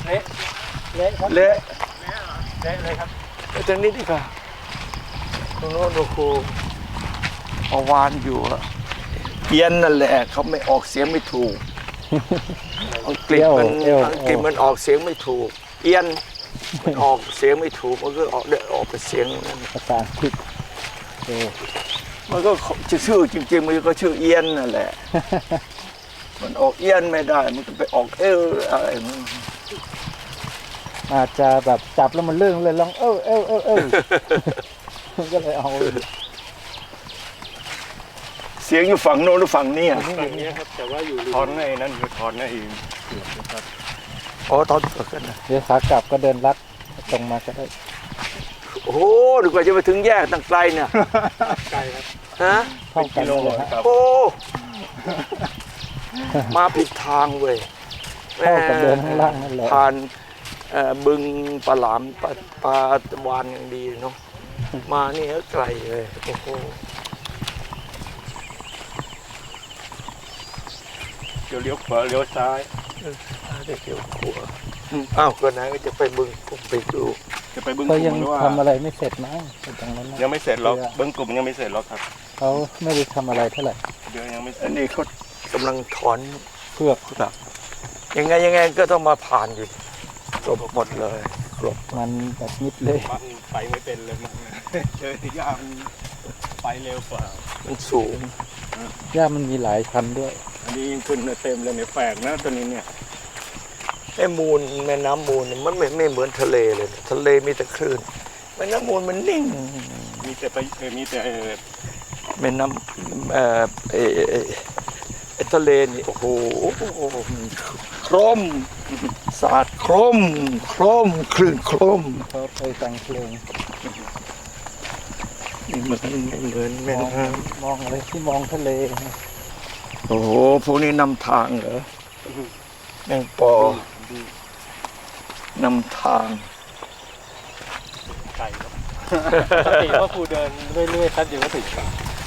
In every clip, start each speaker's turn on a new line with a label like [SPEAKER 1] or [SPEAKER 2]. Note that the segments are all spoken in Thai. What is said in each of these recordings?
[SPEAKER 1] เละเละครับ
[SPEAKER 2] เละ
[SPEAKER 1] เละเลยครับ
[SPEAKER 2] ไปทางนี้ดีกว่าตรงโน้นโอ้โหเอาวานอยู่อะเอียนนั่นแหละเขาไม่ออกเสียงไม่ถูกอังกฤษมันออกเสียงไม่ถูกเอียนมันออกเสียงไม่ถูกมันก็ออกเป็นเสียงนั้น
[SPEAKER 3] ภาษาอังกฤษโอ้
[SPEAKER 2] มันก็ชื่อจริงๆมันก็ชื่อเอียนนั่นแหละ มันออกเอียนไม่ได้ มันก็ไปออกอะไรมัน
[SPEAKER 3] อาจจะแบบจับแล้วมันเลื่อนเลยลองมันก็เลยเอา
[SPEAKER 2] เสียงอยู่ฝั่งโน้นหรือฝั่งนี้อ่ะ
[SPEAKER 1] ฝั่งนี้ครับแต่ว่าอยู่ถอนในนั้นคือถอนในเกือบนะครับ
[SPEAKER 2] อ๋อตอนเกิดขึ้นนะ
[SPEAKER 3] เดี๋ยวขากลับก็เดินลัดตรงมาก็ได้
[SPEAKER 2] โอ้โหดีกว่าจะไปถึงแยกตั้งไกลเนี่ย
[SPEAKER 1] ไกลครับ
[SPEAKER 2] ฮะ
[SPEAKER 3] เท่ากันเลยฮะ
[SPEAKER 1] ครับ
[SPEAKER 2] โอ้มาผิดทางเว้ย
[SPEAKER 3] เท่ากับเดินข้างล่างนั่นแหละ
[SPEAKER 2] ผ่านบึงปลาหลามปลาวานอย่างดีเนาะมานี่ก็ไกลเลยโอ้โห
[SPEAKER 1] เดี๋ยวเลี้ยวขวาเลี้ยวซ้าย
[SPEAKER 2] ได้เกี่ยวขัวอ้าวก็ไหนก็จะไปบึงผมไปดู
[SPEAKER 1] จะไปบึ้ง
[SPEAKER 3] เขา
[SPEAKER 1] ก
[SPEAKER 3] ยั
[SPEAKER 1] ลุ่
[SPEAKER 3] ง
[SPEAKER 1] มหรือว่า
[SPEAKER 3] ทำอะไรไม่เสร็จมั้งตรงนั้นนะ
[SPEAKER 1] ยังไม่เสร็จหรอกบึ้งกลุ่มยังไม่เสร็จหรอกครับ
[SPEAKER 3] เขาไม่ได้ทำอะไรเท่าไหร่
[SPEAKER 1] เดี๋ยวยังไม่เสร็
[SPEAKER 2] อั
[SPEAKER 1] จ
[SPEAKER 2] นนี้เขากำลังถอน
[SPEAKER 3] เพือก
[SPEAKER 2] ครับยังไงก็ต้องมาผ่านอยู่กลบหมดเลยกลบ
[SPEAKER 3] มันแบบมิดเลย
[SPEAKER 1] มันไปไม่เป็นเลยมันเจอยางไปเร็วกว่า
[SPEAKER 2] มันสูง
[SPEAKER 3] หญ้ามันมีหลายพันธุ์ด้วย
[SPEAKER 1] อันนี้ยิ่งขึ้นเต็มเลยเนี่ยแฝกนะตัวนี้เนี่ย
[SPEAKER 2] ไอ้มูลแม่น้ำมูลเนี่ยมันไม่เหมือนทะเลเลยทะเลมีแต่คลื่นแม่น้ำมูลมันนิ่ง
[SPEAKER 1] มีแต่ไปมีแต่
[SPEAKER 2] แม่น้ำไอ้ทะเลนี่โอ้โหโครมสาดโครมคลื่นโครม
[SPEAKER 3] เขาไปแต่งเพลง
[SPEAKER 2] นี่มันไม่เหมือนแม่
[SPEAKER 3] มอง
[SPEAKER 2] น้
[SPEAKER 3] มองอะไรที่มองทะเล
[SPEAKER 2] ำโอ้โหพวกนี้นำทางเหรอแมงปอนำทาง
[SPEAKER 1] ไก่ครับปกติว่าครูเดินเรื่อยๆแป๊บเดียวก็ถึงครับ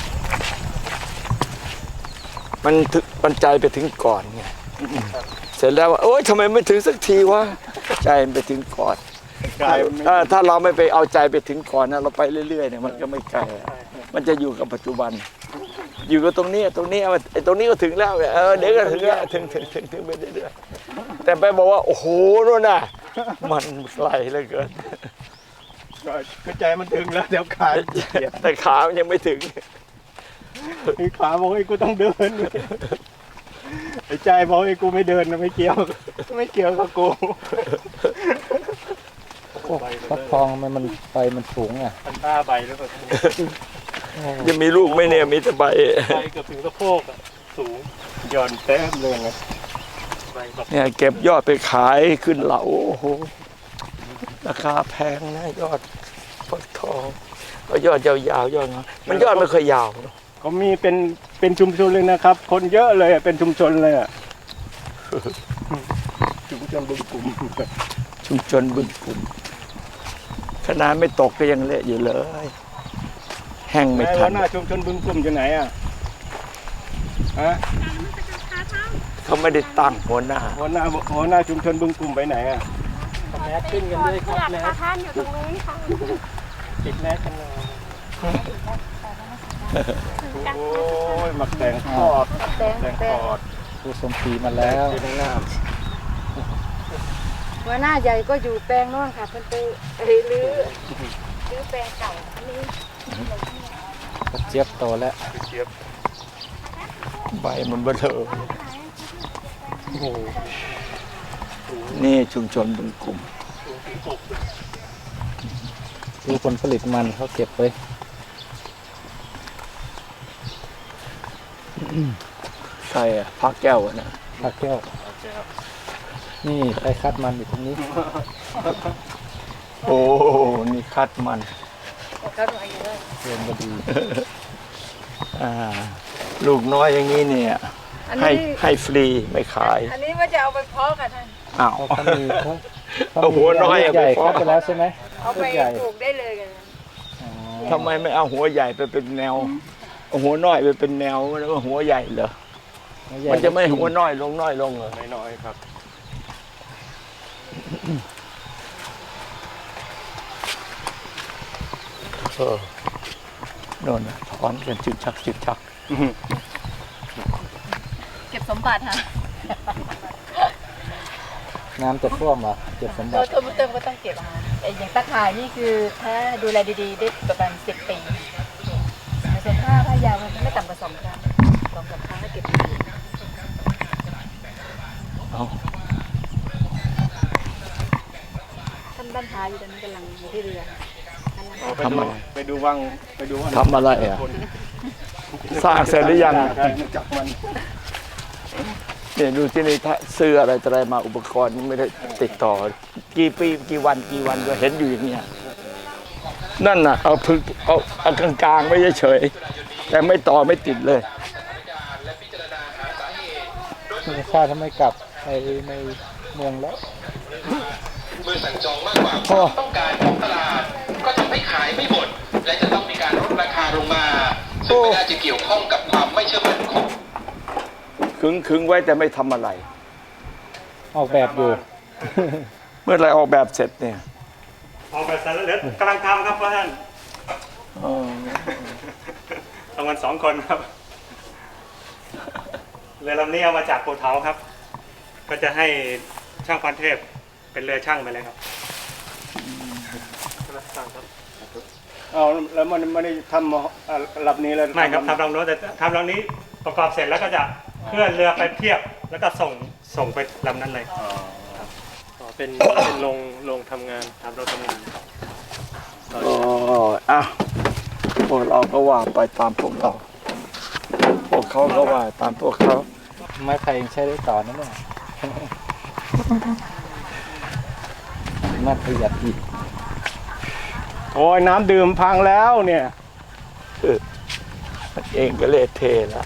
[SPEAKER 2] มันใจไปถึงก่อนไงเสร็จแล้วว่าโอ๊ยทำไมไม่ถึงสักทีวะใจมันไปถึงก่อน
[SPEAKER 1] กาย
[SPEAKER 2] ถ้าเราไม่ไปเอาใจไปถึงก่อนนะเราไปเรื่อยๆเนี่ยมันก็ไม่ไกลอะมันจะอยู่กับปัจจุบัน อยู่กับตรงนี้ไอ้ตรงนี้ก็ถึงแล้วเดี๋ยวก็ถึงแล้วถึงไปเรื่อยๆแต่ไปบอกว่าโอ้โหนู่นน่ะมันไกลเหลือเกิน
[SPEAKER 1] ก็ใจมันถึงแล้วเดี๋ยวขาเสีย
[SPEAKER 2] แต่ขามันยังไม่ถึง
[SPEAKER 1] ไอ้ขาบอกไอ้กูต้องเดินไอ้ใจบอกไอ้กูไม่เดินนะไม่เกี่ยวกับกู
[SPEAKER 3] โอ้ฟักทองมันไปมันสูงอ่ะ
[SPEAKER 1] พันต้าใบแล้วก็
[SPEAKER 2] จะมีลูกไหมเนี่ยมีแต่ใบ
[SPEAKER 1] ใบเกือบถึงสะโพกอ่ะสูงหย่อนแต้มเลยไงใบแบบ
[SPEAKER 2] เนี่ยเก็บยอดไปขายขึ้นเหลาโอ้โหราคาแพงนะยอดฟักทองเอายอดยาวๆยอดน้อยมันยอดไม่เคยยาวเนอะ
[SPEAKER 1] เขามีเป็นชุมชนเลยนะครับ คนเยอะเลยอะเป็นชุมชนเลยอ่ะชุมชนบึงกลุ่ม
[SPEAKER 2] ชุมชนบึงกลุ่มขนาดไม่ตกก็ยังเละอยู่เลย แห้งไม่
[SPEAKER 1] แม่
[SPEAKER 2] ทั
[SPEAKER 1] หัวน หน้าชุมชนบึงกลุ่มอยู่ไหนอ่ะฮะ
[SPEAKER 2] เขาไม่ได้ตั้งหัวหน้า
[SPEAKER 1] หัวหน้าชุมชนบึงกลุ่มไปไหนอ่ะแมสขึ้นกันด้วยครับแมส
[SPEAKER 4] ท่านอยู่ตรงนู้นค่ะ
[SPEAKER 1] ติดแมสกันเลยโอ้ยหมักแตงทอดแตงทอด
[SPEAKER 3] ผู้สมศรีมาแล้ว
[SPEAKER 1] อยู่ในน้
[SPEAKER 4] หัวหน้าใหญ่ก็อยู่แปลงโน้นค่ะเพิ่นไปรื้อแปลงเก่าอันนี้
[SPEAKER 3] กระเจี๊ยบโตแล้ว
[SPEAKER 1] ำเจี๊ยบ
[SPEAKER 2] ใบมันเบลอ
[SPEAKER 1] โอ้โห
[SPEAKER 2] นี่ชุมชนบึงกลุ่ม
[SPEAKER 1] สูงถึง6
[SPEAKER 3] ดูผลผลิตมันเขาเก็บไว้
[SPEAKER 2] ใครอะพักแก้วอะนะ
[SPEAKER 3] ผักแก้ว นี่ไอ้คัดมันอยู่ตรงนี้
[SPEAKER 2] โอ้นี่คัดมัน
[SPEAKER 4] เขาหน่อยเยอะ
[SPEAKER 3] เรียนก็ดี
[SPEAKER 2] ลูกน้อยอย่างนี้เนี่ย
[SPEAKER 4] อัน
[SPEAKER 2] ให้
[SPEAKER 4] นี้
[SPEAKER 2] ให้ฟรีไม่ขาย
[SPEAKER 4] อันนี้ว่าจะเอาไปเพาะค่ะท่าน
[SPEAKER 2] อ้าว
[SPEAKER 3] เขามีเขา
[SPEAKER 2] เอาหัวน้อย
[SPEAKER 3] ลูกใหญ่
[SPEAKER 2] เอาไปเพาะ
[SPEAKER 3] คัดไปแล้วใช่ไหม
[SPEAKER 4] เอาไป
[SPEAKER 3] ลูกใหญ่
[SPEAKER 4] ปลูกได้เลยกัน
[SPEAKER 3] อ๋อ
[SPEAKER 2] ทำไมไม่เอาหัวใหญ่ไปเป็นแนวเอาหัวน้อยไปเป็นแนวแล้วก็หัวใหญ่เหรอ
[SPEAKER 3] หัวใหญ่
[SPEAKER 2] มันจะไม่หัวน้อยลงเหรอ
[SPEAKER 1] น้อยๆครับ
[SPEAKER 2] โน่นน่ะถอนกันจึกชักจึกชัก
[SPEAKER 4] เก็บสมบัติค่ะ
[SPEAKER 3] น้ำจะท่วมเหรอเก็บสมบัติ
[SPEAKER 4] ตัวมุเติมก็ต้องเก็บค่ะแต่อย่างตะข่ายนี่คือถ้าดูแลดีๆได้ประมาณ10 ปีแต่ส่วนผ้ายาวมันไม่ต่ำกว่า2 ครั้ง2-3 ครั้งก็เก็บดี
[SPEAKER 2] เอา
[SPEAKER 4] ท่านบ้านท้ายอยู่ตอนนี้กำลังอยู่ที่เรือ
[SPEAKER 2] ทำอะไร
[SPEAKER 1] ไปดูวังไปดูว่า
[SPEAKER 2] ทำอะไรอ่ะ สร้างเสร็จหรือยัง
[SPEAKER 1] จับมัน
[SPEAKER 2] เนี่ยดูที่นี่ถ้าซื้ออะไรอะไรมาอุปกรณ์ไม่ได้ติดต่อ กี่ปีกี่วันก็เห็นอยู่อย่างเนี้ยนั่นน่ะเอาพึกเอากลางๆไม่เฉยๆแต่ไม่ต่อไม่ติดเลย
[SPEAKER 3] ข้าทำไมกลับไปในเมืองแล้ว
[SPEAKER 5] เมื่อสั่งจองมากกว่าความต้องการของตลาด ก็ทำให้ขายไม่หมด และจะต้องมีการลดราคาลงมา ซึ่งไม่น่าจะเกี่ยวข้องกับความไม่เชื่อมั่นของ
[SPEAKER 2] ขึงไว้แต่ไม่ทำอะไร
[SPEAKER 3] ออกแบบอยู่
[SPEAKER 2] เมื่อไรออกแบบเสร็จเนี่ย
[SPEAKER 1] ออกแบบเสร็จแล้วเหลือกำลังทำครับพ่อท่านทำกัน2 คนครับเรือลำนี้เอามาจากปูเทาครับ ก็จะให้ช่างพันเทพเป็นเรือช่างไปเลยครับเอาแล้วมันไม่ได้ทำลำนี้เลยไม่ครับทำลำโน้นแต่ทำลำนี้ประกอบเสร็จแล้วก็จะเคลื่อนเรือไปเทียบแล้วก็ส่งไปลำนั้นเลยเป็นโรงทำงานทำโรงทำงาน
[SPEAKER 2] อ๋ออ่ะพวกเราก็ว่าไปตามพวกเรา พวกเขาก็ว่าตามพวกเขา
[SPEAKER 3] ไม้ไผ่ยังใช้ได้ต่อนะเนี่ยน่าประหยัดอีก
[SPEAKER 1] โอ้ยน้ำดื่มพังแล้วเนี่ย
[SPEAKER 2] มันเองก็เละเทะแล้ว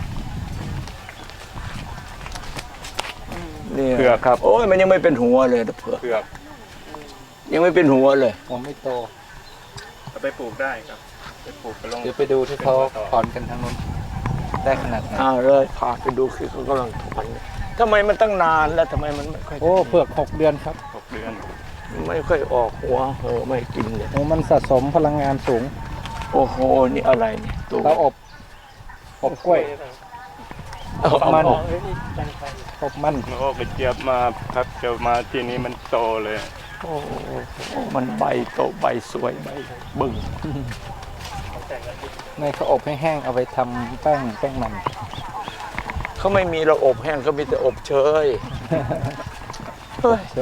[SPEAKER 2] นี่
[SPEAKER 1] เผือกครับ
[SPEAKER 2] โอ้ยมันยังไม่เป็นหัวเลยนะเผือก
[SPEAKER 1] เผือก
[SPEAKER 2] ยังไม่เป็นหัวเลย
[SPEAKER 3] ผมไม่โต
[SPEAKER 1] เอาไปปลูกได้ครับไปปลูกไปลง
[SPEAKER 3] เดี๋ยวไปดูที่เขาถอนกันทางนู้นได้ขนาดไหน
[SPEAKER 2] อ้าวเลยพาไปดูคือเขากำลังถอนเนี่ยทำไมมันตั้งนานแล้วทำไมมันไม่ค่อย
[SPEAKER 3] โอ้เผือก6 เดือนครับ
[SPEAKER 1] 6 เดือน
[SPEAKER 2] ไม่ค่อยออกหัวไม่กินเลย
[SPEAKER 3] โอ้มันสะสมพลังงานสูง
[SPEAKER 2] โอ้โหนี่อะไรเนี่ยตัว
[SPEAKER 3] เขาอบกล้วย
[SPEAKER 2] เอา
[SPEAKER 3] มัน
[SPEAKER 2] ออก
[SPEAKER 3] อบมัน
[SPEAKER 1] โอ้ไปเจี๊ยบมาครับเจียบมาทีนี้มันโตเลย
[SPEAKER 2] โอ้โหมันใบโตใบสวยใบบึ้ง
[SPEAKER 3] ในเขาอบให้แห้งเอาไปทำแป้งมัน
[SPEAKER 2] เขาไม่มีระอบแห้งเขามีแต่อบเชยเฮ้ย
[SPEAKER 3] ใช่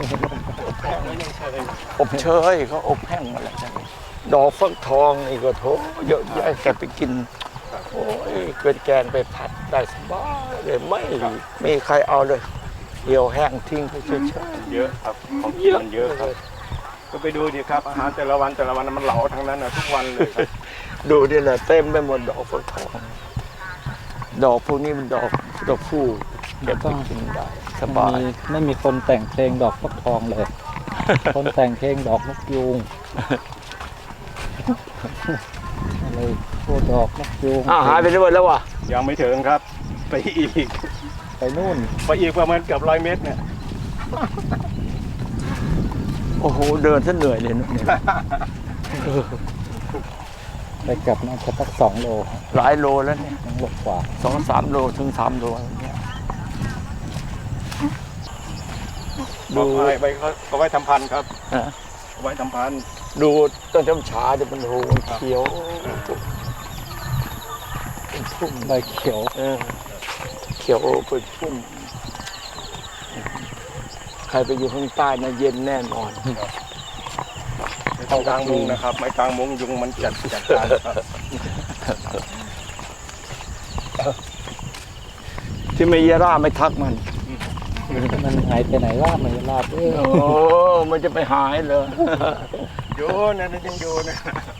[SPEAKER 2] อบเชยเขาอบแห้งมาแล้วดอกฟักทองนี่ก็โถเยอะแยะแกไปกินโอ้ยเป็นแกงไปผัดได้สบายเลยไม่มีใครเอาเลยเหี่ยวแห้งทิ้งไปเฉย
[SPEAKER 1] เยอะครับของกินมันเยอะครับ ก็ไปดูดิครับอาหารแต่ละวันมันเหลาทั้งนั้นนะทุกวันเลยครับ
[SPEAKER 2] ๆดูดิแหละเต็มไปหมดดอกฟักทองดอกพวกนี้มันดอกตัวผู้เก็บไปกินได้สบาย
[SPEAKER 3] ไม่มีคนแต่งเพลงดอกฟักทองเลย คนแต่งเพลงดอกนกยูงอะไรพวกดอกนกยูง
[SPEAKER 2] หายไปด้วยแล้ววะ
[SPEAKER 1] ยังไม่ถึงครับ ไปอีก
[SPEAKER 3] ไปนู่น
[SPEAKER 1] ไปอีกประมาณเกือบ100 เมตรเนี่ย
[SPEAKER 2] โอ้โหเดินซะเหนื่อยเลยเนี่ย
[SPEAKER 3] ไปกลับน่าจะสัก2 โล
[SPEAKER 2] หลายโลแล้วเนี่ย
[SPEAKER 3] 2 โลกว่า
[SPEAKER 2] 2-3 โลถึง3 โลเนี่ย
[SPEAKER 1] ดูไปเขาไว้ทำพันธุ์ครับ
[SPEAKER 2] ฮะ
[SPEAKER 1] เอาไว้ทำพันธุ์
[SPEAKER 2] ดูต้นจำฉาเดี๋ยวมันโหเขียวเป็นพุ่ม
[SPEAKER 3] ใบเขียว
[SPEAKER 2] เขียวเป็นพุ่มใครไปอยู่ข้างใต้นะเย็นแน่นอน
[SPEAKER 1] ไม่ต้องกลางมุ้งนะครับ ไม่กลางมุ้งยุงมันจัดการครับ
[SPEAKER 2] ที่ไม่เยร่าไม่ทักมัน
[SPEAKER 3] มันหายไปไหนล่ะมันลาด
[SPEAKER 2] โอ้มันจะไปหายเลย
[SPEAKER 1] โยนนะยังโยนนะ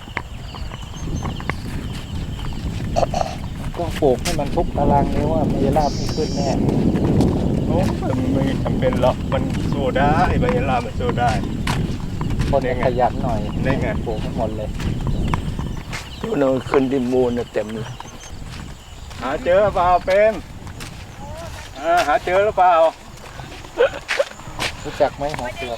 [SPEAKER 3] ก็ปลูกให้มันทุกตารางนิ้วว่ามันจะลาบไม่ขึ้นแน่
[SPEAKER 1] โอ้ไม่จำเป็นหรอกมันสู้ได้ใบยะลามันสู้ได้
[SPEAKER 3] คนจะขยันหน่อย
[SPEAKER 1] นี่ไง
[SPEAKER 3] ปลูกทั้งหมดเลย
[SPEAKER 2] ตัวนึงขึ้นดินมูลน่ะเต็มเลย
[SPEAKER 1] หาเจอเปล่าเป็นหาเจอหรือเปล่า
[SPEAKER 3] รู้จักไหมหัวเปลือก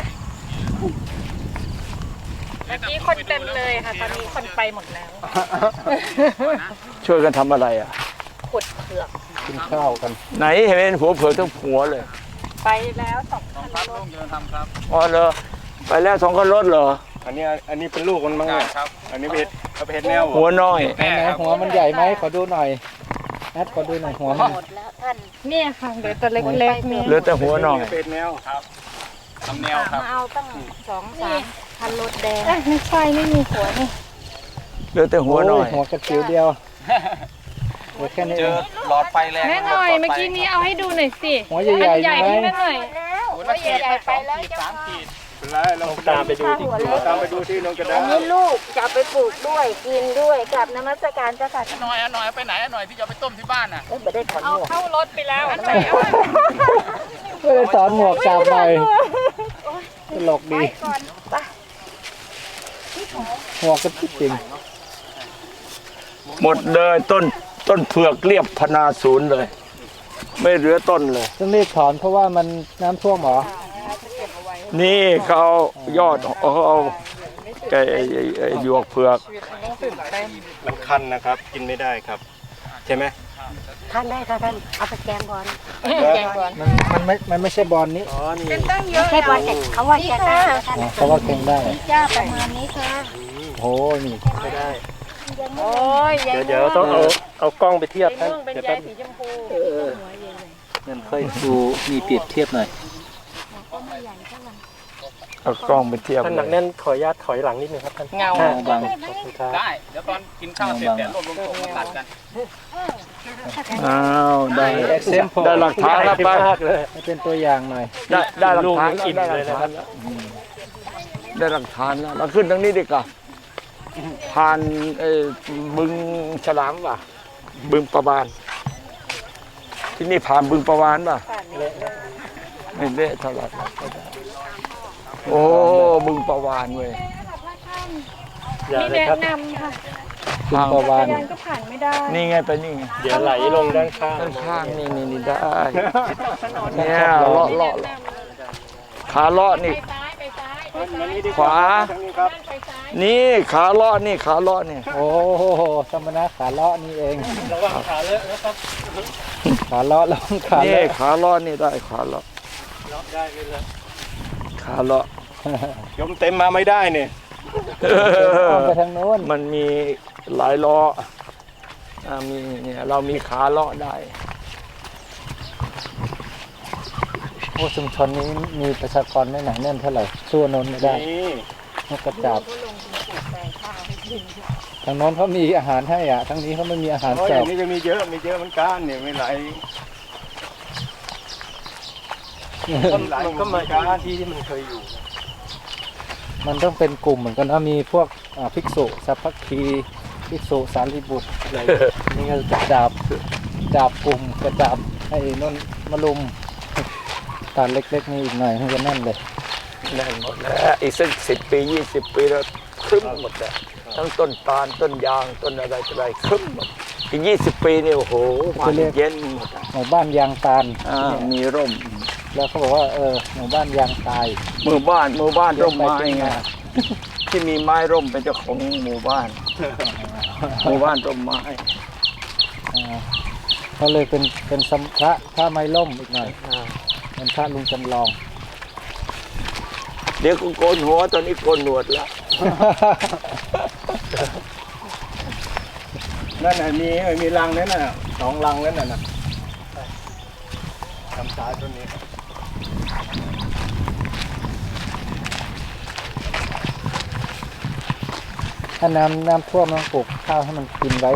[SPEAKER 4] เมื่อกี้คนเต็มเลยค่ะ ตอนนี้คนไปหมดแล้ว
[SPEAKER 2] ช่วยกันทำอะไรอ่ะ
[SPEAKER 4] ขุดเผือก
[SPEAKER 3] กินข้าวกัน
[SPEAKER 2] ไหนเห็นหัวเผือกทั้งหัวเลย
[SPEAKER 4] ไปแล้ว2 คันรถ
[SPEAKER 2] อ๋อเหรอไปแล้ว2 คันรถเหรอ
[SPEAKER 1] อันนี้เป็นลูกมันมั้งเนี่ยอันนี้เป็นเห็ดแนว
[SPEAKER 2] หัวน้อย
[SPEAKER 3] ไหนหัวมันใหญ่ไหมขอดูหน่อยนัดขอดูหน่อยหัวมัน
[SPEAKER 4] หมดแล้วท่านเนี่ยค่ะเหลือตัวเล็กๆนี่
[SPEAKER 2] เหลือแต่หัวน้อย
[SPEAKER 1] เป็นแนวครับ
[SPEAKER 4] มาเอาตั้ง2-3 คันรถแดงไม่ใช่ไม่มีหัวนี่
[SPEAKER 2] เหลือแต่หัวน้อย
[SPEAKER 3] หัวกระจิ๋วเดียวเหลือแค่นี้เอง
[SPEAKER 6] แม่หน่อยเมื่อกี้นี้เอาให้ดูหน่อยสิ
[SPEAKER 3] หัวใหญ่ๆ
[SPEAKER 6] ใหญ่
[SPEAKER 3] ไหม
[SPEAKER 6] ที่แม่หน่อย
[SPEAKER 4] หัวใหญ่ไปแล้วเจ้าค่ะ
[SPEAKER 1] เป็นไรเราตามไปดูที่น้องกระดา
[SPEAKER 4] อันนี้ลูกจะเอาไปปลูกด้วยกินด้วยกับนมัสการเจ้าค่ะ
[SPEAKER 7] หน่อยเอาไปไหนหน่อยที่จะเอาไปต้มที่บ้านน่ะ
[SPEAKER 4] ไม่ได้ถอนหมวก
[SPEAKER 6] เข้ารถไปแล้ว
[SPEAKER 3] ไม่ได้สอนหมวกกลับหน่อยตลกดี
[SPEAKER 4] ก่อนไป
[SPEAKER 3] หมวกก็จริง
[SPEAKER 2] หมดเลยต้นเผือกเรียบพนาศูนย์เลย ไม่เหลือต้นเลย
[SPEAKER 3] ต้องรีบถอนเพราะว่ามันน้ำท่วมเหรอ
[SPEAKER 2] นี่เขาเอายอดเขาเอาไอ้หยวกเผือก
[SPEAKER 1] มันคันนะครับ กินไม่ได้ครับ ใช่ไหม
[SPEAKER 4] ท่านได้ค่ะท่านเอาไปแกงก่อนแกงก่อน
[SPEAKER 3] มันไม่ใช่บอลนี้
[SPEAKER 6] เป็นตั้งเยอะ
[SPEAKER 4] ใช่บอลเด็กเขาว่าแกงได้
[SPEAKER 3] อ๋อเพราะว่าเก่งได้
[SPEAKER 4] จ้าประมาณนี้ค่ะ
[SPEAKER 3] โอ้นี่
[SPEAKER 4] โอ้ย
[SPEAKER 1] เดี๋ยวต้องเอากล้องไปเทียบ
[SPEAKER 4] สี
[SPEAKER 1] ท่าน
[SPEAKER 4] ม่วงเป็น
[SPEAKER 1] เดี๋ยว
[SPEAKER 4] ใย
[SPEAKER 1] แป๊บ
[SPEAKER 4] สีชมพู
[SPEAKER 3] มันค่อยดูมีเปรียบเทียบหน่อย
[SPEAKER 2] เอากล้องไปเทียบ
[SPEAKER 1] ท่านหนักแน่นขออนุญาตถอยหลังนิดนึงครับท่าน
[SPEAKER 6] เงา
[SPEAKER 3] บาง
[SPEAKER 7] ได้ เดี๋ยวตอนกินข้าวเสร็จเดี๋ยวรวบรวมส่งมาตัดกัน
[SPEAKER 2] อ้าวได้
[SPEAKER 3] example
[SPEAKER 2] ได้หลักฐานแล้วไป
[SPEAKER 3] ให้เป็นตัวอย่างหน่อย
[SPEAKER 2] ได้หลักฐานแล้วได้หลักฐานแล้วได้หลักฐานแล้วเราขึ้นทางนี้ดีกว่าผ่านบึงฉลามป่ะบึงประวาน ที่นี่ผ่านบึงประวานป่ะไม่เละเท่าไหร่โอ้บึงประวานเว้ย
[SPEAKER 1] อย่า
[SPEAKER 6] มี
[SPEAKER 1] เลย
[SPEAKER 6] แนะ
[SPEAKER 1] ครับ
[SPEAKER 6] นำค่ะ
[SPEAKER 3] คุณประวาน
[SPEAKER 6] ยันก็ผ่านไม่ได้
[SPEAKER 2] นี่ไงไปนี่ไง
[SPEAKER 1] เดี๋ยวไหลลงด้านข้าง
[SPEAKER 2] ด้านข้างนี่ได้เนี่ยเลาะขาเลาะนี่
[SPEAKER 6] ไปซ้าย
[SPEAKER 2] ขวา
[SPEAKER 1] ทางนี้ครับ
[SPEAKER 6] ไปซ้าย
[SPEAKER 2] นี่ขาเลาะนี่ขาเลาะนี่
[SPEAKER 3] โอ้โหสมณะขาเลาะนี่เอง
[SPEAKER 1] ระวังขาเลอะนะครับ
[SPEAKER 3] ขาเลาะแล้วขา
[SPEAKER 2] นี่
[SPEAKER 3] เลาะ
[SPEAKER 2] ขาเลาะนี่ได้ขาเลาะ
[SPEAKER 1] ล็อกได้ไปเลย
[SPEAKER 2] ขาเลาะ
[SPEAKER 1] ยมเต็มมาไม่ได้เนี่ย
[SPEAKER 3] ต้องไปทางโน้น
[SPEAKER 2] มันมีหลายล้อมีเนี่ยเรามีขาเลาะได้
[SPEAKER 3] โอ้ชุมชนนี้มีประชากรไม่หนาแน่นเท่าไหร่สู้โน้นไม่ได้
[SPEAKER 1] นี่
[SPEAKER 3] นกกระจาบทางโน้นเขามีอาหารให้อ่ะทางนี้เขาไม่มีอาหาร
[SPEAKER 1] โอ้ย
[SPEAKER 3] เสิ
[SPEAKER 1] อ
[SPEAKER 3] ร์ฟ
[SPEAKER 1] ย่างนี้จะมีเยอะเหมือนกันเนี่ยไม่ไหลก็มาการที่มันเคยอยู่
[SPEAKER 3] มันต้องเป็นกลุ่มเหมือนกันนะมีพวกภิกษุสัพพคีภิกษุสารีบุตรอะไรนี่ก็จะจับกลุ่มกระจับให้นนมาลุมตาเล็กๆนี่อีกหน่อยมันจะแน่นเลย
[SPEAKER 2] แน่นหมดแล้วอีกสัก10 ปี20 ปีแล้วครึ้มหมดแล้วทั้งต้นตาลต้นยางต้นอะไรครึ้มหมดอีก20 ปีนี่โอ้โหมันเย็นหมด
[SPEAKER 3] หมู่บ้านยางตาล
[SPEAKER 2] มีร่ม
[SPEAKER 3] แล้วเขาบอกว่าหมู่บ้านยางตาย
[SPEAKER 2] หมู่บ้านร่มไม้ไงที่มีไม้ร่มเป็นเจ้าของหมู่บ้านหมู่บ้านร่มไม้
[SPEAKER 3] ก็เลยเป็นพระไม้ล่มอีกหน่อยเป็นพระลุงจำลอง
[SPEAKER 2] เดี๋ยวกูโกนหัวตอนนี้โกนหนวดแล้ว
[SPEAKER 1] นั่นน่ะมีรังนั่นน่ะ2 รังนั่นน่ะทำสายต้นนี้
[SPEAKER 3] ถ้าน้ำท่วมต้องปลูกข้าวให้มันกินไว้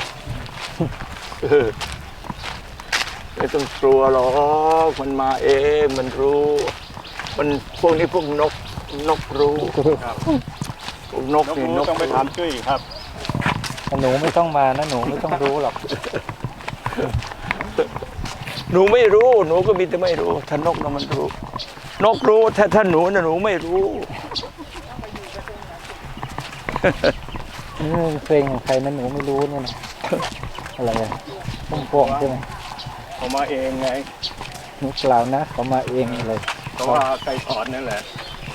[SPEAKER 2] ไม่ต้องกลัวหรอกมันมาเองมันรู้ มันพวกนี้พวกนกรู้พวกนกนี่นก
[SPEAKER 1] ต้องไปถามจุ้ยครับ
[SPEAKER 3] หนูไม่ต้องมานะหนูไม่ต้องรู้หรอก
[SPEAKER 2] หนูไม่รู้หนูก็มีแต่ไม่รู้ถ้านกน่ะมันรู้นกรู้ถ้าหนูน่ะหนูไม่รู้
[SPEAKER 3] นี่เป็นเพลงของใครนะหนูไม่รู้เนี่ยนะอะไรอะพุ่มพวงใช่ไหม
[SPEAKER 1] เขามาเองไง
[SPEAKER 3] หนูเปล่านะเขามาเองเลย
[SPEAKER 1] เพราะว่าไก่ถอนนั่นแหละ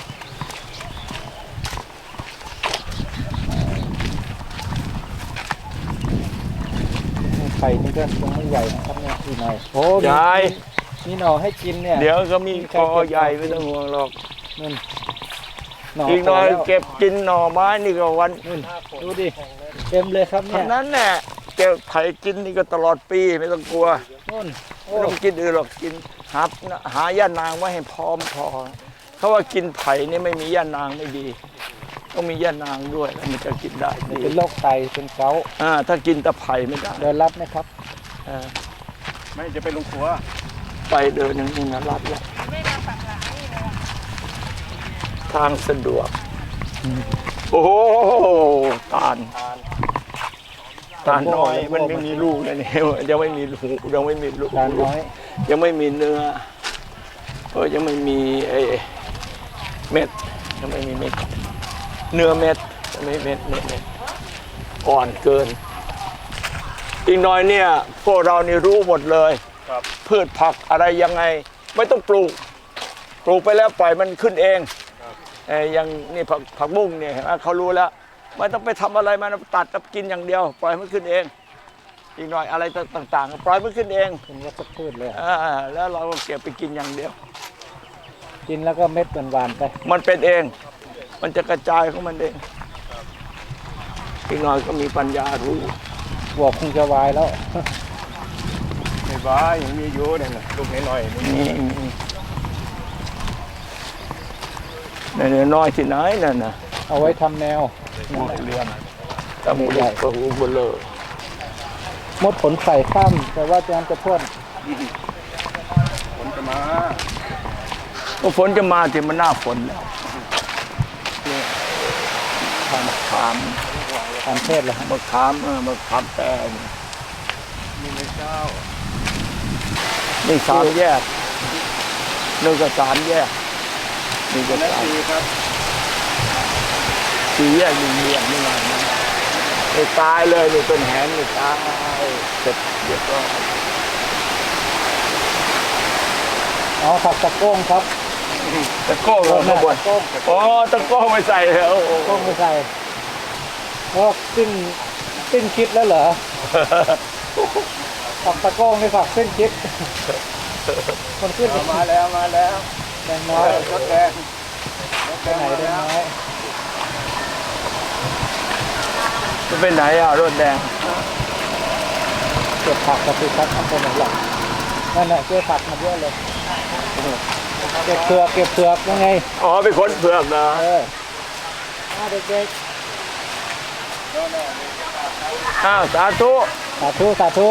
[SPEAKER 3] ไข่นี่ก็ยังไม่ใหญ่นะครับเนี่ยอีกหน่อยโอ้
[SPEAKER 2] ใหญ่
[SPEAKER 3] มีหน่อให้กินเนี่ย
[SPEAKER 2] เดี๋ยวก็มีคอใหญ่ไม่ต้องห่วงหรอก
[SPEAKER 3] นั่นหน่อ
[SPEAKER 2] อีกหน่อย
[SPEAKER 3] โตแล้ว
[SPEAKER 2] เก็บกินหน่อไม้นี่ก็วัน
[SPEAKER 3] นู่นดูดิเต็มเลยครับเนี่
[SPEAKER 2] เท่าย นั้นแหละเก็บไผ่กินนี่ก็ตลอดปีไม่ต้องกลัว
[SPEAKER 3] นู่นโอ้
[SPEAKER 2] ไม่ต้องกินอื่นหรอกกินหาย่านางไว้ให้พร้อมพอเขาว่ากินไผ่นี่ไม่มีย่านางไม่ดี ต้องมีย่านางด้วยแล้วมันจะกินได้ดี
[SPEAKER 3] เป็นโรคไตเป็นเกาต์
[SPEAKER 2] ถ้ากินแต่ไผ่ไม่ได้
[SPEAKER 3] เดินรับไหมครับ
[SPEAKER 1] ไม่จะไปลงครัว
[SPEAKER 2] ไปเดินอย่างนี้นะรัดแล้วทางสะดวกโอ้โหตาลน้อยมันไม่มีลูกเลยเนี่ยยังไม่มีลูกยังไม่มีลูก
[SPEAKER 3] ทานน้อย
[SPEAKER 2] ยังไม่มีเนื้อยังไม่มีไอ้เม็ดยังไม่มีเม็ดเนื้อเม็ดยังไม่เม็ดอ่อนเกิน อีกหน่อยเนี่ยพวกเรานี่รู้หมดเลยพืชผักอะไรยังไงไม่ต้องปลูกไปแล้วปล่อยมันขึ้นเองอย่างนี่ผักบุ้งเนี่ยเขารู้แล้วไม่ต้องไปทำอะไรมันตัดแล้วกินอย่างเดียว ปล่อยมันขึ้นเอง อีกหน่อยอะไรต่างๆปล่อยมันขึ้นเอง
[SPEAKER 3] เป็นวัชพืชเลย
[SPEAKER 2] แล้วเราก็เก็บไปกินอย่างเดียว
[SPEAKER 3] กินแล้วก็เม็ดหวานๆไป
[SPEAKER 2] มันเป็นเอง มันจะกระจายของมันเองอีกหน่อยก็มีปัญญารู้
[SPEAKER 3] บวกคงจะวายแล้ว
[SPEAKER 1] ไม่บ้ายังมีอยู่เนี่ยนะลูกน้อยๆนี่
[SPEAKER 2] นี่น้อยที่ไหนนั่นน่ะ
[SPEAKER 3] เอาไว้ทำแนว
[SPEAKER 2] เรียนตะมูใหญ่กระหูเบลอ
[SPEAKER 3] มดผลใส่ข้ามแต่ว่าจะพ่น
[SPEAKER 1] ฝนจะมา
[SPEAKER 2] ก็ฝนจะมาที่มันหน้าฝนแล้วเนี่ยมะขาม
[SPEAKER 3] ทำเทศเลยฮะ
[SPEAKER 2] มะขามแปลง
[SPEAKER 1] มีไม่เจ้า
[SPEAKER 2] นี่3 แยกนึกก็3 แยกนี่ก็
[SPEAKER 1] นาทีครับ
[SPEAKER 2] 4 แยก1 แยกนี่ไงนี่ตายเลยนี่เป็นแหนนี่ตายเสร็จเรียบร้อย
[SPEAKER 3] อ๋อผักตะโก้งครับ
[SPEAKER 2] ตะโก้ลงมาบน
[SPEAKER 3] ตะโก้ง
[SPEAKER 2] อ๋อตะโก้ไม่ใส่แล้ว
[SPEAKER 3] ตะโก้งไม่ใส่เพราะสิ้นคิดแล้วเหรอ ผักตะโก้งไม่ผักสิ้นคิดคนขึ้น
[SPEAKER 1] มาแล้ว
[SPEAKER 3] แดงน้อย
[SPEAKER 1] รถแดง
[SPEAKER 3] ไปไหนแดงน้อย
[SPEAKER 2] จะไปไหนรถแดง
[SPEAKER 3] เก็บผักกับพี่ครับทำเป็นหลักนั่นแหละเก็บผักมาเยอะเลยเก็บเผือกยังไง
[SPEAKER 2] อ๋อไปค้นเผือกนะ
[SPEAKER 3] เด็ก
[SPEAKER 2] อ้าวสาธุ
[SPEAKER 3] ๆสาธุ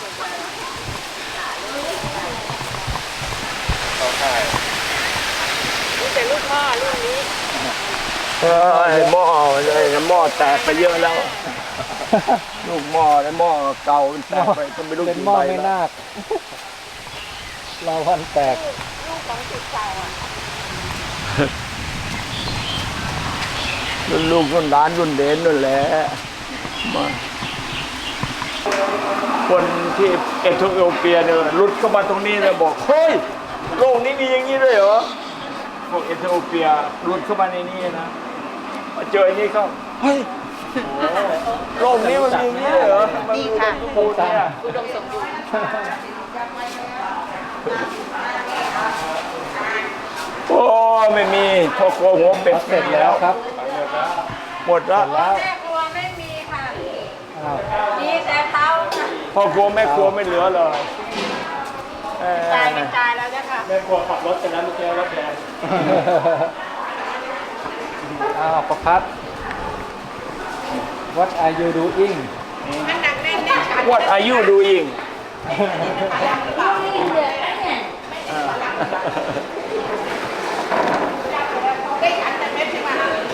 [SPEAKER 2] ไอ้หม้อแตกไปเยอะแล้ว ลูกหม้อไอ้หม้อเก่ามันแตกไปก็ไม่รู้
[SPEAKER 3] เป็น
[SPEAKER 2] กี่
[SPEAKER 3] หม้อ
[SPEAKER 2] ใบ
[SPEAKER 3] ไม่
[SPEAKER 2] แล้ว
[SPEAKER 3] นาคเราพันแตก
[SPEAKER 2] รุ่นลูกรุ่นหลานรุ่นเด่นนั่นแหละมาคนที่เอธิโอเปียเนี่ยรุดเข้ามาตรงนี้แล้วบอกเฮ้ยโลกนี้มีอย่างนี้ด้วยเหรอพวกเอธิโอเปียรุดเข้ามาในนี้นะมาเจออย่างนี้เขาเฮ้ยโลกนี้มันมีอย่างนี้ด้วยเหรอมันมีค่ะทุกคนเนี่ย
[SPEAKER 4] อุดมสมบูรณ์
[SPEAKER 2] โอ้ไม่มีพ่อครัวหัวเป็ด
[SPEAKER 3] เสร็จแล้วครับ
[SPEAKER 2] หมดแล้ว
[SPEAKER 3] แล้ว
[SPEAKER 6] แม่ครัวไม่มีค่ะ
[SPEAKER 3] อ้าว
[SPEAKER 6] มีแต่เตาค่ะ
[SPEAKER 2] พ่อครัวแม่ครัวไม่เหลือเลยเอ่อ
[SPEAKER 6] จ่ายเป็นจ่ายแล้วจ้ะค่ะ
[SPEAKER 1] แม่ครัวขับรถกันแล้วเมื่อกี้รถแดง
[SPEAKER 3] อ้าวประพัด What are you doing
[SPEAKER 6] มันหนักแน่นแน่นค่ะ
[SPEAKER 2] What are you doing
[SPEAKER 6] ได้ฉันแต่เม็ดใช่ไหม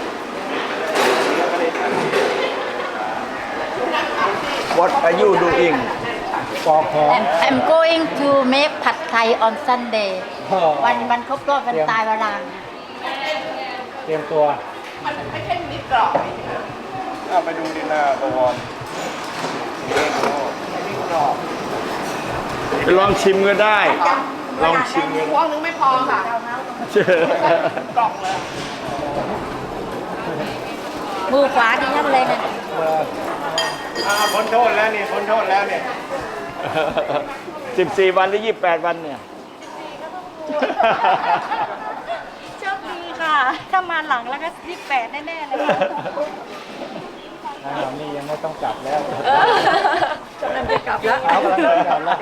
[SPEAKER 2] What are you doing
[SPEAKER 3] ปอกหอม
[SPEAKER 4] I'm going to make ผัดไทย on Sunday
[SPEAKER 3] อ๋อ
[SPEAKER 4] วันครบรอบวันตายวันลาง
[SPEAKER 3] เตรียมตัว
[SPEAKER 1] ไปดูดินาบวร
[SPEAKER 2] ลองชิมก็ได้ ลองชิมก็ได้
[SPEAKER 6] พวงนึงไม่พอค่ะ
[SPEAKER 2] ช
[SPEAKER 4] มือขวาดีนั่นเลยนะ
[SPEAKER 1] พ้นโทษแล้วนี่พ้นโทษแล้วเนี่ย
[SPEAKER 2] 14 วันหรือ28 วันเนี่ย
[SPEAKER 4] โชคดีค่ะ ถ้ามาหลังแล้วก็28แน่ๆเลยค่ะ
[SPEAKER 3] นี่ยังไม่ต้องกลับแล้ว
[SPEAKER 4] กำลังจะกลับแล้ว
[SPEAKER 3] เอากำลังจะกลับแล้ว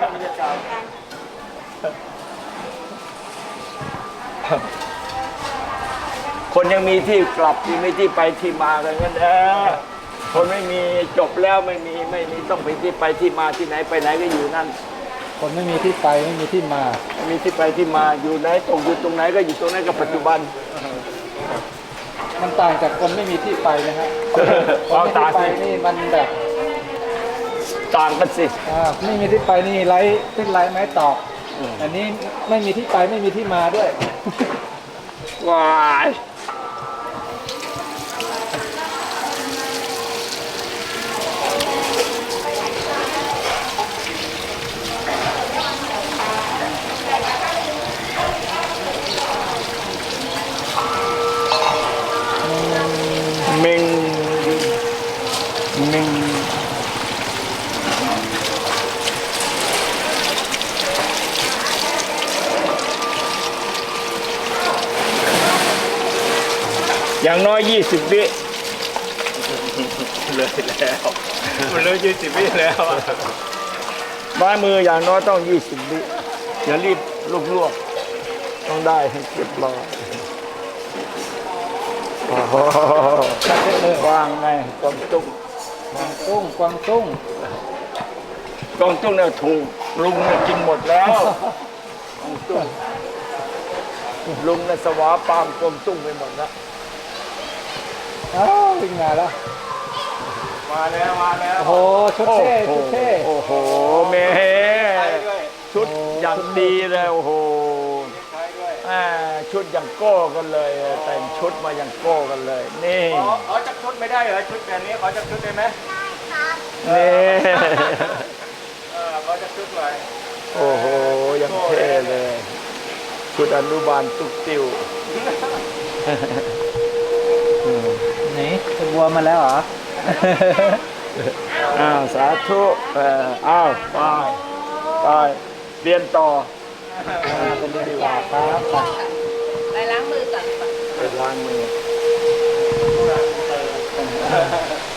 [SPEAKER 2] คนยังมีที่กลับยังมีที่ไปที่มากันงั้นคนไม่มีจบแล้วไม่มีต้องไปที่ไปที่มาที่ไหนไปไหนก็อยู่นั่น
[SPEAKER 3] คนไม่มีที่ไปไม่มีที่มา
[SPEAKER 2] ไม่มีที่ไปที่มาอยู่ไหนตกอยู่ตรงไหนก็อยู่ตรงนั้นกับปัจจุบัน
[SPEAKER 3] มันต่างจากคนไม่มีที่ไปนะฮะคนไม่มีที่ไปนี่มันแบบ
[SPEAKER 2] ต่างกันสิ
[SPEAKER 3] ไม่มีที่ไปนี่ไร้ขึ้นไร้ไม้ตอกอันนี้ไม่มีที่ไปไม่มีที่มาด้วย
[SPEAKER 2] ว้ายเมงอย่างน้อย20 วิ
[SPEAKER 1] เลยแล้วมันเลย20 วิแล้วอะ
[SPEAKER 2] บ้ายมืออย่างน้อยต้อง20 วิอย่ารีบลวกๆต้องได้ให้เรียบร้อยโอ้โหวางไงกวางตุ้ง
[SPEAKER 3] กวางตุ้ง
[SPEAKER 2] กวางตุ้งเนี่ยถูกลุงเนี่ยกินหมดแล้วกวางตุ้งลุงเนี่ยสวาปามกวางตุ้งไปหมดแล้ว
[SPEAKER 3] วิ่งมาแล้ว
[SPEAKER 1] มาแล้ว
[SPEAKER 3] โอ้โหชุดเท่ชุดเท่
[SPEAKER 2] โอ้โหเมชุดอย่างดีเลยโอ้โหชุดอย่างโก้กันเลย แต่งชุดมาอย่างโก้กันเลยนี่
[SPEAKER 1] ขอจับชุดไม่ได้เหรอชุดแบบนี้ขอจับชุดได้ไหม
[SPEAKER 2] นี่
[SPEAKER 1] ขอจับชุดหน่อย
[SPEAKER 2] โอ้โหยังเท่เลยชุดอนุบาลตุ๊กติว
[SPEAKER 3] นี่เป็นวัวมาแล้วเหรอ
[SPEAKER 2] สาธุอ้าวไปเรียนต่อ
[SPEAKER 3] เป็นเรื่องต่อครับ
[SPEAKER 6] ไปล้างมือก่อน
[SPEAKER 2] ไปล้างมือ